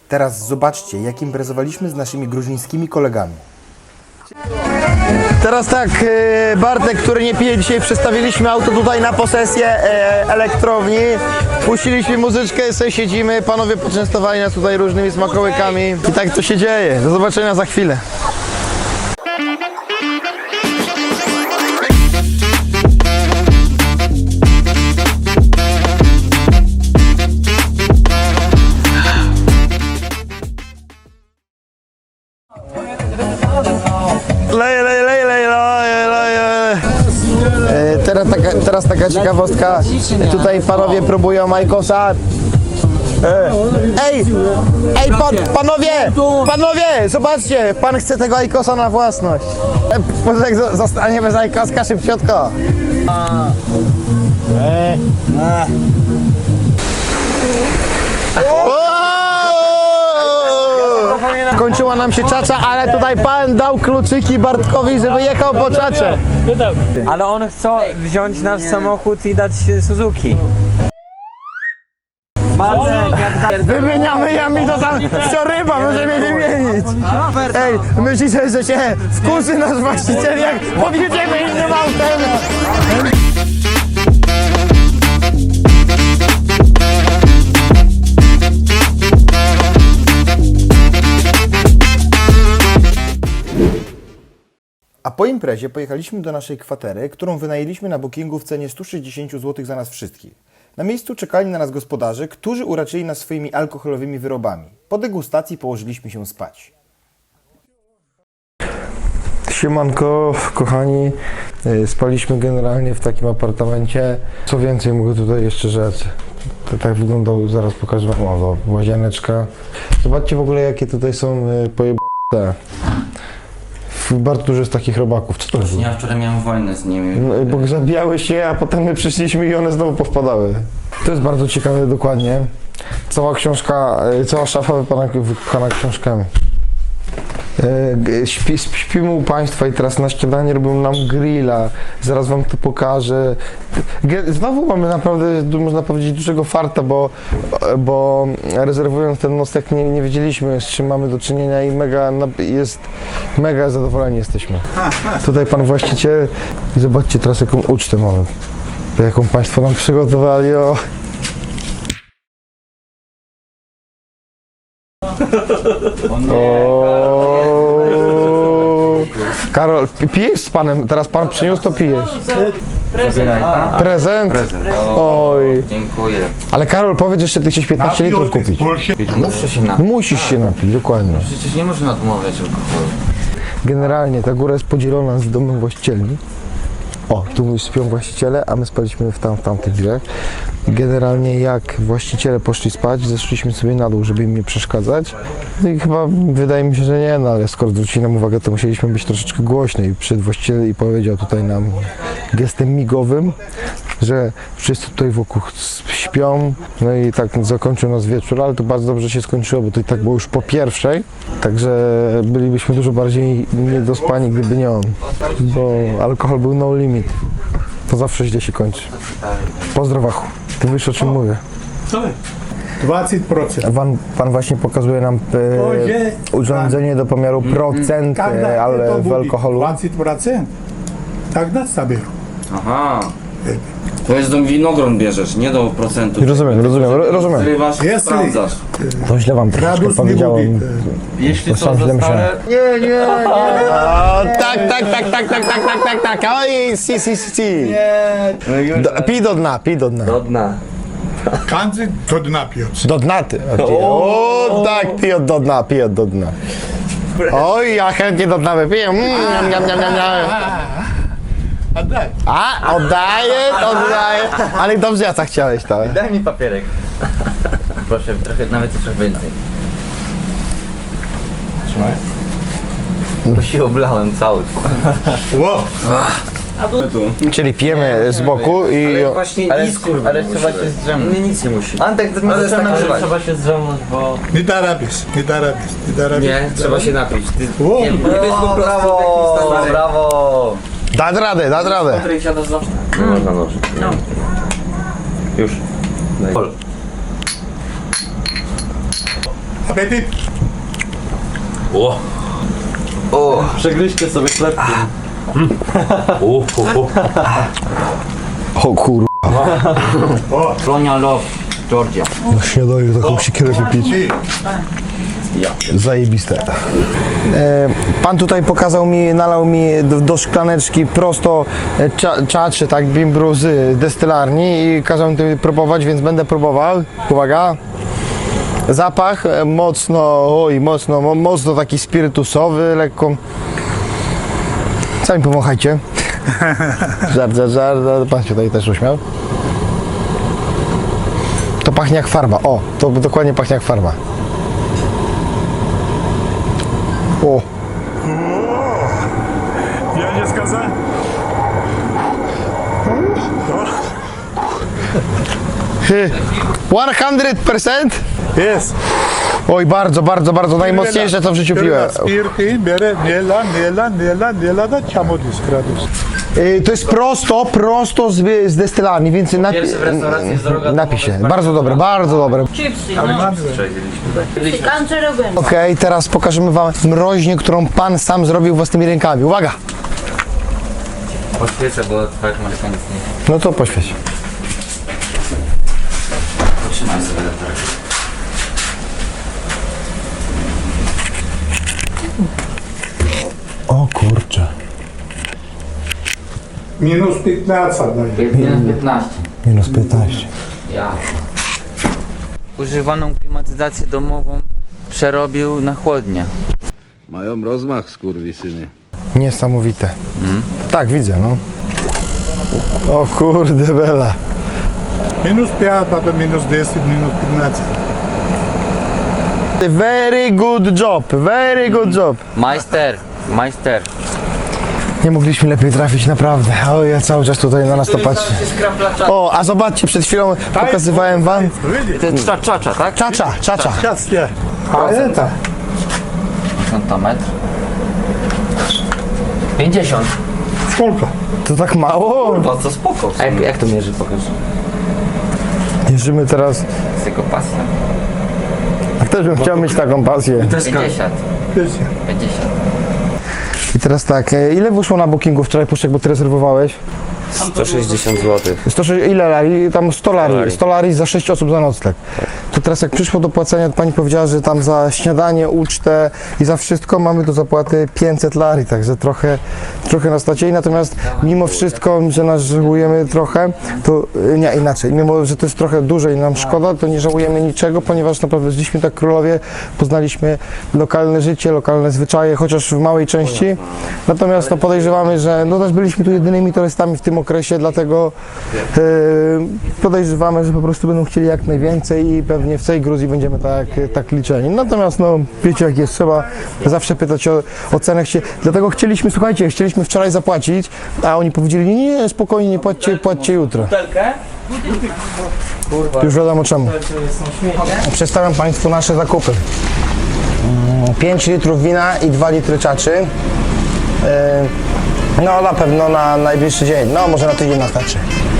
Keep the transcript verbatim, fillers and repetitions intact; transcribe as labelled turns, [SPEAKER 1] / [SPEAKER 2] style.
[SPEAKER 1] Teraz zobaczcie, jak imprezowaliśmy z naszymi gruzińskimi kolegami.
[SPEAKER 2] Teraz tak, Bartek, który nie pije dzisiaj, przestawiliśmy auto tutaj na posesję elektrowni. Puściliśmy muzyczkę, sobie siedzimy, panowie poczęstowali nas tutaj różnymi smakołykami. I tak to się dzieje. Do zobaczenia za chwilę. Lej, lej, lej, lej, lej, lej. E, teraz, taka, teraz taka ciekawostka. Tutaj panowie próbują Ajkosa. E, ej, ej, pan, panowie, panowie, zobaczcie, pan chce tego Ajkosa na własność. E, może jak zostanie bez Ajkoska szybciutko. E. Kończyła nam się czacza, ale tutaj pan dał kluczyki Bartkowi, żeby jechał po czacze.
[SPEAKER 3] Ale on chce wziąć nasz samochód i dać Suzuki.
[SPEAKER 2] Wymieniamy jami, to tam ryba, możemy wymienić. Ej, myślicie, że się wkurzy nasz właściciel, jak podjedziemy innym autem?
[SPEAKER 1] A po imprezie pojechaliśmy do naszej kwatery, którą wynajęliśmy na bookingu w cenie sto sześćdziesiąt złotych za nas wszystkich. Na miejscu czekali na nas gospodarze, którzy uraczyli nas swoimi alkoholowymi wyrobami. Po degustacji położyliśmy się spać.
[SPEAKER 2] Siemanko, kochani, spaliśmy generalnie w takim apartamencie. Co więcej mogę tutaj jeszcze rzec. To tak wyglądał, zaraz pokażę wam, o, łazieneczka. Zobaczcie w ogóle, jakie tutaj są pojebane. Bardzo dużo jest takich robaków. Co to jest?
[SPEAKER 4] Ja wczoraj miałem wojnę z nimi.
[SPEAKER 2] No, bo zabijały się, a potem my przyszliśmy i one znowu powpadały. To jest bardzo ciekawe dokładnie. Cała książka, cała szafa wypchana, wypchana książkami. Śpi, śpimy u Państwa i teraz na śniadanie robią nam grilla. Zaraz Wam to pokażę. Znowu mamy naprawdę, można powiedzieć, dużego farta, bo, bo rezerwując ten nocleg nie, nie wiedzieliśmy, z czym mamy do czynienia i mega, jest, mega zadowoleni jesteśmy. Tutaj Pan właściciel i zobaczcie teraz, jaką ucztę mamy. Jaką Państwo nam przygotowali. O. O. Karol, pijesz z panem, teraz pan przyniósł, to pijesz.
[SPEAKER 4] Prezent.
[SPEAKER 2] Prezent?
[SPEAKER 4] Prezent.
[SPEAKER 2] Oj.
[SPEAKER 4] Dziękuję.
[SPEAKER 2] Ale Karol, powiedz, że ty chcesz piętnaście litrów kupić.
[SPEAKER 4] Muszę się napić.
[SPEAKER 2] Musisz się napić, dokładnie.
[SPEAKER 4] Przecież nie można odmawiać alkoholu.
[SPEAKER 2] Generalnie ta góra jest podzielona z domem właścicieli. O, tu śpią właściciele, a my spaliśmy w, tam, w tamtych drzwiach. Generalnie jak właściciele poszli spać, zeszliśmy sobie na dół, żeby im nie przeszkadzać. No i chyba wydaje mi się, że nie, no ale skoro zwrócili nam uwagę, to musieliśmy być troszeczkę głośniej. Przyszedł właściciel i powiedział tutaj nam gestem migowym, że wszyscy tutaj wokół śpią. No i tak zakończył nas wieczór, ale to bardzo dobrze się skończyło, bo to i tak było już po pierwszej. Także bylibyśmy dużo bardziej niedospani, gdyby nie on. Bo alkohol był no limit. To zawsze źle się kończy. Pozdrowachu. Ty wiesz, o czym mówię.
[SPEAKER 5] dwadzieścia procent.
[SPEAKER 2] Pan, pan właśnie pokazuje nam e, urządzenie do pomiaru procent e, ale w alkoholu.
[SPEAKER 5] dwadzieścia procent. Tak nas zabierą.
[SPEAKER 4] Aha. To jest do winogron bierzesz, nie do procentu.
[SPEAKER 2] Rozumiem, rozumiem, rozumiem.
[SPEAKER 4] Zrywasz,
[SPEAKER 5] Jest
[SPEAKER 4] sprawdzasz.
[SPEAKER 2] To źle wam troszeczkę
[SPEAKER 5] Gradus nie
[SPEAKER 2] powiedziałem.
[SPEAKER 5] mówi.
[SPEAKER 4] Jeśli
[SPEAKER 2] To sam źle myślałem.
[SPEAKER 5] Nie, nie, nie.
[SPEAKER 2] O, tak, tak, tak, tak, tak, tak, tak, tak, tak. Oj, si, si, si. Do, pij do dna, pij do dna.
[SPEAKER 4] Do dna.
[SPEAKER 5] Każdy to dna pijąc.
[SPEAKER 2] Do dna ty. O, tak, pij od do dna, pij od do dna. Oj, ja chętnie do dna wypiję. Mm, niam, niam, niam, niam, niam.
[SPEAKER 5] Oddaj.
[SPEAKER 2] A, oddaję, oddaję. Ale dobrze, ja tak chciałeś, tak?
[SPEAKER 4] Daj mi papierek. Proszę, trochę, nawet trochę więcej. Trzymaj. To się oblałem cały.
[SPEAKER 5] Ło.
[SPEAKER 2] Czyli pijemy z boku i...
[SPEAKER 4] Właśnie ale, nic, kurwa, ale trzeba się zdrzemnąć. Nie, nic nie musi. Antek, to ale tak, trzeba się zdrzemnąć, bo...
[SPEAKER 5] Nie da rabisz, nie da rabisz, nie da rabisz.
[SPEAKER 4] Nie, trzeba się napić. Ty...
[SPEAKER 5] Ło.
[SPEAKER 4] Nie, nie wiesz po prostu w jakim brawo!
[SPEAKER 2] Dać radę, dać radę.
[SPEAKER 4] Której siadasz zawsze. Nie można nożyć. No. Już. Daj.
[SPEAKER 5] Apetit?
[SPEAKER 6] O!
[SPEAKER 4] O,
[SPEAKER 6] Przegryźcie sobie chlebkiem. O, o, o.
[SPEAKER 2] O kur...
[SPEAKER 4] Sonia Love, Georgia.
[SPEAKER 2] Na śniadaniu taką siekierę wypić. Zajebiste. E, pan tutaj pokazał mi, nalał mi do, do szklaneczki prosto e, cza, czaczy, tak, bimbru z destylarni i kazał mi to próbować, więc będę próbował. Uwaga. Zapach e, mocno, oj, mocno, mo, mocno taki spirytusowy, lekko. Sami powąchajcie. Żart, żart, żart, pan się tutaj też uśmiał. To pachnie jak farba, o, to dokładnie pachnie jak farba. O,
[SPEAKER 5] Я не сказал.
[SPEAKER 2] sto procent?
[SPEAKER 5] Yes.
[SPEAKER 2] Oj, bardzo, bardzo, bardzo najmocniejsze co w życiu piłem.
[SPEAKER 5] Spirti, bere, niela, niela, niela, niela, da ciamodis gradus.
[SPEAKER 2] Y, To jest prosto, prosto z, z destylarni, więc napi
[SPEAKER 4] Pierwszy w restauracji z droga
[SPEAKER 2] napisie. Bardzo dobre, bardzo dobre.
[SPEAKER 7] Chipsy, no. Pikantne robione.
[SPEAKER 2] Okej, teraz pokażemy wam mroźnię, którą pan sam zrobił własnymi rękami. Uwaga!
[SPEAKER 4] Poświecę, bo twoja masz nic nie.
[SPEAKER 2] No to poświeć.
[SPEAKER 4] Trzymaj sobie latarkę.
[SPEAKER 2] O kurczę.
[SPEAKER 5] Minus piętnaście daje.
[SPEAKER 4] Minus piętnaście.
[SPEAKER 2] Minus piętnaście.
[SPEAKER 4] Ja. Używaną klimatyzację domową przerobił na chłodnię.
[SPEAKER 8] Mają rozmach, skurwysyny.
[SPEAKER 2] Niesamowite. Tak, widzę, no. O kurde bela.
[SPEAKER 5] Minus pięć, potem minus dziesięć, minus piętnaście.
[SPEAKER 2] Very good job, very good job.
[SPEAKER 4] Majster, majster.
[SPEAKER 2] Nie mogliśmy lepiej trafić, naprawdę. O, ja cały czas tutaj na nas to patrzę. O, a zobaczcie, przed chwilą pokazywałem wam.
[SPEAKER 5] Видите?
[SPEAKER 4] To jest cza, czacza, tak?
[SPEAKER 2] Czacza, czacza.
[SPEAKER 5] Сейчас я. А это?
[SPEAKER 4] pięćdziesiąt. pięćdziesiąt.
[SPEAKER 5] Сколько?
[SPEAKER 2] To tak mało?
[SPEAKER 4] Po co spoko? A jak, jak to mierzy, pokaż?
[SPEAKER 2] Mierzymy teraz.
[SPEAKER 4] Z jego pasja.
[SPEAKER 2] Też bym chciał mieć taką pasję.
[SPEAKER 4] pięćdziesiąt.
[SPEAKER 5] pięćdziesiąt.
[SPEAKER 4] pięćdziesiąt.
[SPEAKER 2] I teraz tak, e, ile wyszło na bookingu wczoraj, Puszek, bo ty rezerwowałeś?
[SPEAKER 6] sto sześćdziesiąt złotych.
[SPEAKER 2] sto, ile lari? Tam sto lari. sto lari za sześć osób za nocleg. To teraz jak przyszło do płacenia, to pani powiedziała, że tam za śniadanie, ucztę i za wszystko mamy do zapłaty pięćset lari, także trochę, trochę nas nacięli, natomiast mimo wszystko, że nas żałujemy trochę, to y, nie, inaczej, mimo, że to jest trochę dużo i nam szkoda, to nie żałujemy niczego, ponieważ naprawdę żyliśmy tak w Królowie, poznaliśmy lokalne życie, lokalne zwyczaje, chociaż w małej części, natomiast no, podejrzewamy, że no też byliśmy tu jedynymi turystami w tym okresie, dlatego yy, podejrzewamy, że po prostu będą chcieli jak najwięcej i pewnie w tej Gruzji będziemy tak, tak liczeni. Natomiast no wiecie jak jest, trzeba zawsze pytać o, o cenę. Chcie, dlatego chcieliśmy, słuchajcie, chcieliśmy wczoraj zapłacić, a oni powiedzieli, nie, nie, spokojnie, nie płaccie, płaccie jutro. Już wiadomo czemu. Przedstawiam Państwu nasze zakupy. pięć litrów wina i dwa litry czaczy. Yy, No na pewno na najbliższy dzień, no może na tydzień nas starczy.